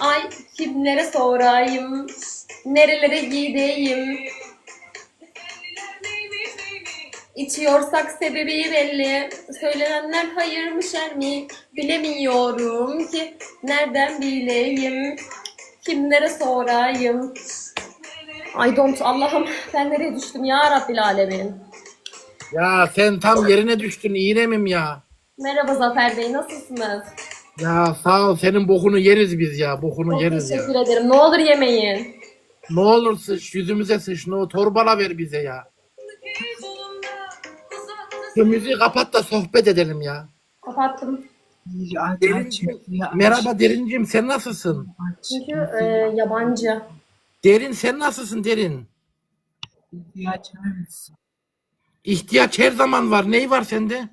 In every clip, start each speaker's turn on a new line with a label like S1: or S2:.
S1: Ay kimlere sorayım, nerelere gideyim. İçiyorsak sebebi belli. Söylenenler hayır mı şer mi? Bilemiyorum ki nereden bileyim. Kimlere sorayım. I don't Allah'ım ben nereye düştüm ya Rabbil Alemin.
S2: Ya sen tam yerine düştün İrem'im ya.
S1: Merhaba Zafer Bey nasılsınız?
S2: Ya sağ ol, senin bokunu yeriz biz ya. Bokunu
S1: Çok
S2: yeriz ya.
S1: teşekkür ederim. Ne olur yemeyin.
S2: Ne olur sıç yüzümüze sıç. Ne o torbala ver bize ya. Şu müziği kapat da sohbet edelim ya.
S1: Kapattım.
S3: Aç
S2: Derincim,
S3: müziği aç.
S2: merhaba Derincim, sen nasılsın?
S3: Aç
S1: Çünkü
S3: müziği
S1: yabancı.
S2: Derin, sen nasılsın Derin?
S3: açar mısın?
S2: İhtiyaç her zaman var. Ney var sende?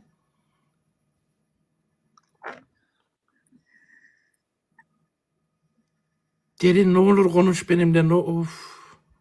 S2: Derin ne olur konuş benimle. No, of.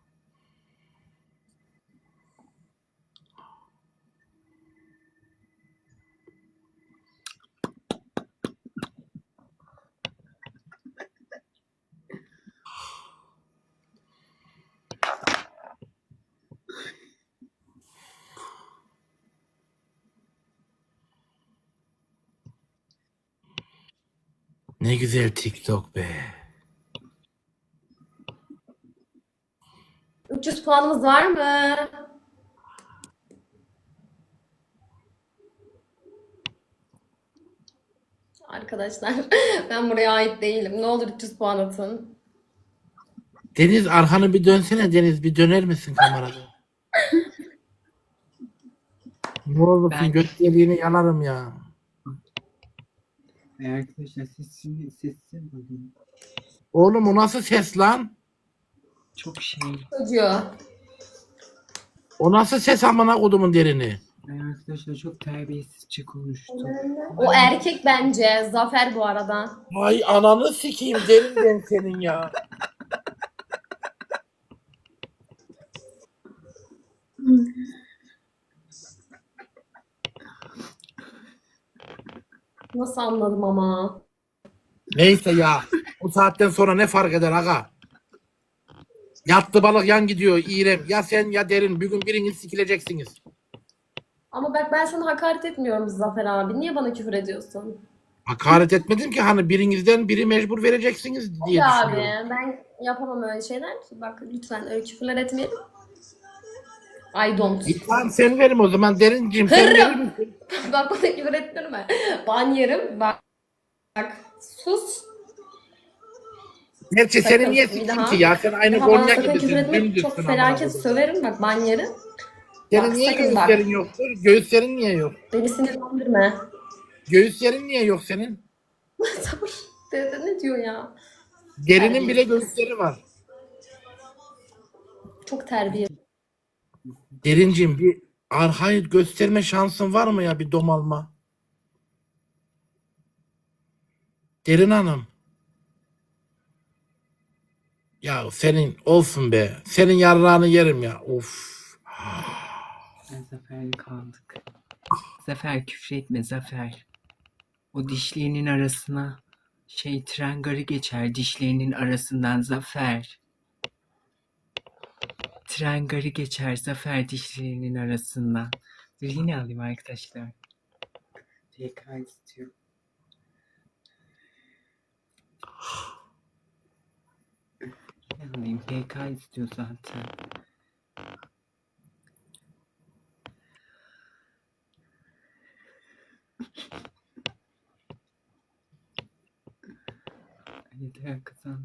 S2: Ne güzel TikTok be.
S1: 300 puanımız var mı? Arkadaşlar ben buraya ait değilim. Ne olur 300 puan atın.
S2: Deniz arkanı bir dönsene Deniz. Bir döner misin kamerada? Ne olursun
S3: Ben
S2: göt deliğini yalarım ya.
S3: arkadaşlar sesini bakın.
S2: Oğlum o nasıl ses lan?
S3: Çok
S1: Çocuğu.
S2: O nasıl ses amına kodumun Derini?
S3: arkadaşlar çok terbiyesizce konuştu.
S1: O erkek bence. Zafer bu arada.
S2: Ay ananı sikeyim Derin ben senin ya.
S1: Nasıl anladım ama.
S2: Neyse ya. Bu saatten sonra ne fark eder aga? Yattı balık yan gidiyor İrem. Ya sen ya Derin. Bir gün biriniz sikileceksiniz.
S1: Ama bak ben sana hakaret etmiyorum Zafer abi. Niye bana küfür ediyorsun?
S2: Hakaret etmedim ki, hani birinizden biri mecbur vereceksiniz diye
S1: Ya abi
S2: düşünüyorum.
S1: ben yapamam öyle şeyler ki. Bak lütfen öyle küfürler etmeyelim. I don't.
S2: Tamam sen verim o zaman Derincim, sen verir
S1: Hırrım.
S2: misin?
S1: Bak bana küfür ettirme. Ban yerim. Bak. Sus.
S2: Gerçi
S1: Sakın
S2: seni niye
S1: bir
S2: sikeyim
S1: daha.
S2: ki ya? Sen aynı
S1: Daha bana
S2: Konya
S1: sakın küfür
S2: gibisin.
S1: etme. Çok
S2: Dümdüzsün amına
S1: felaket
S2: koyayım.
S1: söverim. Bak ban yerim.
S2: Senin
S1: Bak
S2: niye
S1: sakın bak.
S2: göğüslerin yoktur? Göğüslerin niye yok?
S1: Beni sinirlendirme.
S2: Göğüslerin niye yok senin?
S1: Sabır. Dede ne diyor ya?
S2: Derinin bile
S1: Terbiyesiz.
S2: göğüsleri var.
S1: Çok terbiyesiz.
S2: Derincim bir arkayı gösterme şansın var mı ya, bir domalma? Derin Hanım. Ya senin olsun be. Senin yarrağını yerim ya. Of.
S3: Zafer'le kaldık. Zafer küfretme Zafer. O dişlerinin arasına tren garı geçer dişlerinin arasından Zafer. Tren garı geçer Zafer dişlerinin arasından. Dur yine alayım arkadaşlar. TK istiyor. Yine alayım TK istiyor zaten. Yeter kazandı.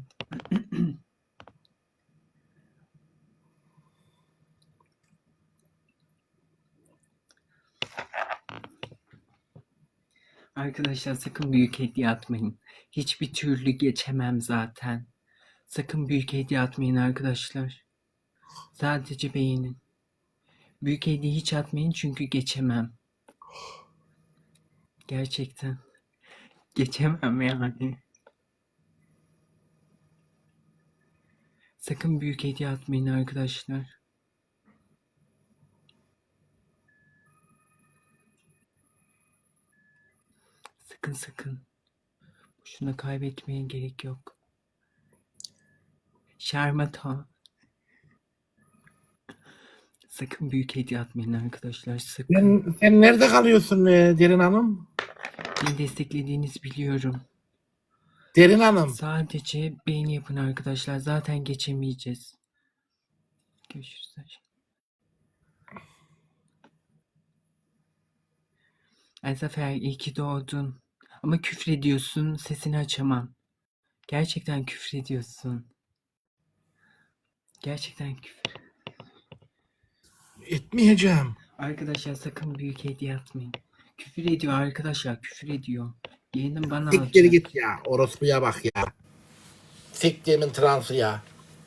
S3: Arkadaşlar sakın büyük hediye atmayın. Hiçbir türlü geçemem zaten. Sakın büyük hediye atmayın arkadaşlar. Sadece beğenin. Büyük hediye hiç atmayın çünkü geçemem. Gerçekten. Geçemem yani. Sakın büyük hediye atmayın arkadaşlar. Sakın sakın. Boşuna kaybetmeye gerek yok. Şarmato. Sakın büyük hediye atmayın arkadaşlar. Sakın.
S2: Sen nerede kalıyorsun Derin Hanım?
S3: Beni desteklediğinizi biliyorum.
S2: Derin Hanım.
S3: Sadece beğeni yapın arkadaşlar. Zaten geçemeyeceğiz. Görüşürüz. Ay Zafer, iyi ki doğdun. Ama küfrediyorsun. Sesini açamam. Gerçekten küfrediyorsun. Gerçekten küfür.
S2: Etmeyeceğim.
S3: Arkadaşlar sakın büyük hediye atmayın. Küfür ediyor arkadaşlar. Küfür ediyor. Yeğenim bana
S2: Siktir
S3: alacak.
S2: git ya. Orospuya bak ya. Siktiğimin transı ya.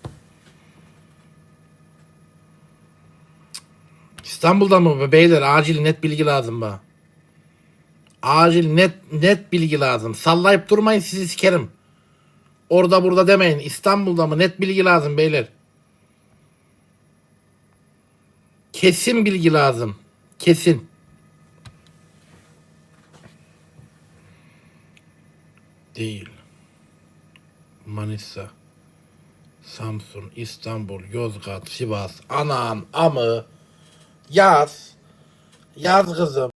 S2: İstanbul'da mı beyler? Acil net bilgi lazım bana. Acil net bilgi lazım. Sallayıp durmayın, sizi sikerim. Orada burada demeyin. İstanbul'da mı? Net bilgi lazım beyler. Kesin bilgi lazım. Kesin. Değil. Manisa, Samsun, İstanbul, Yozgat, Sivas, Anan, Amı. Yaz. Yaz kızım.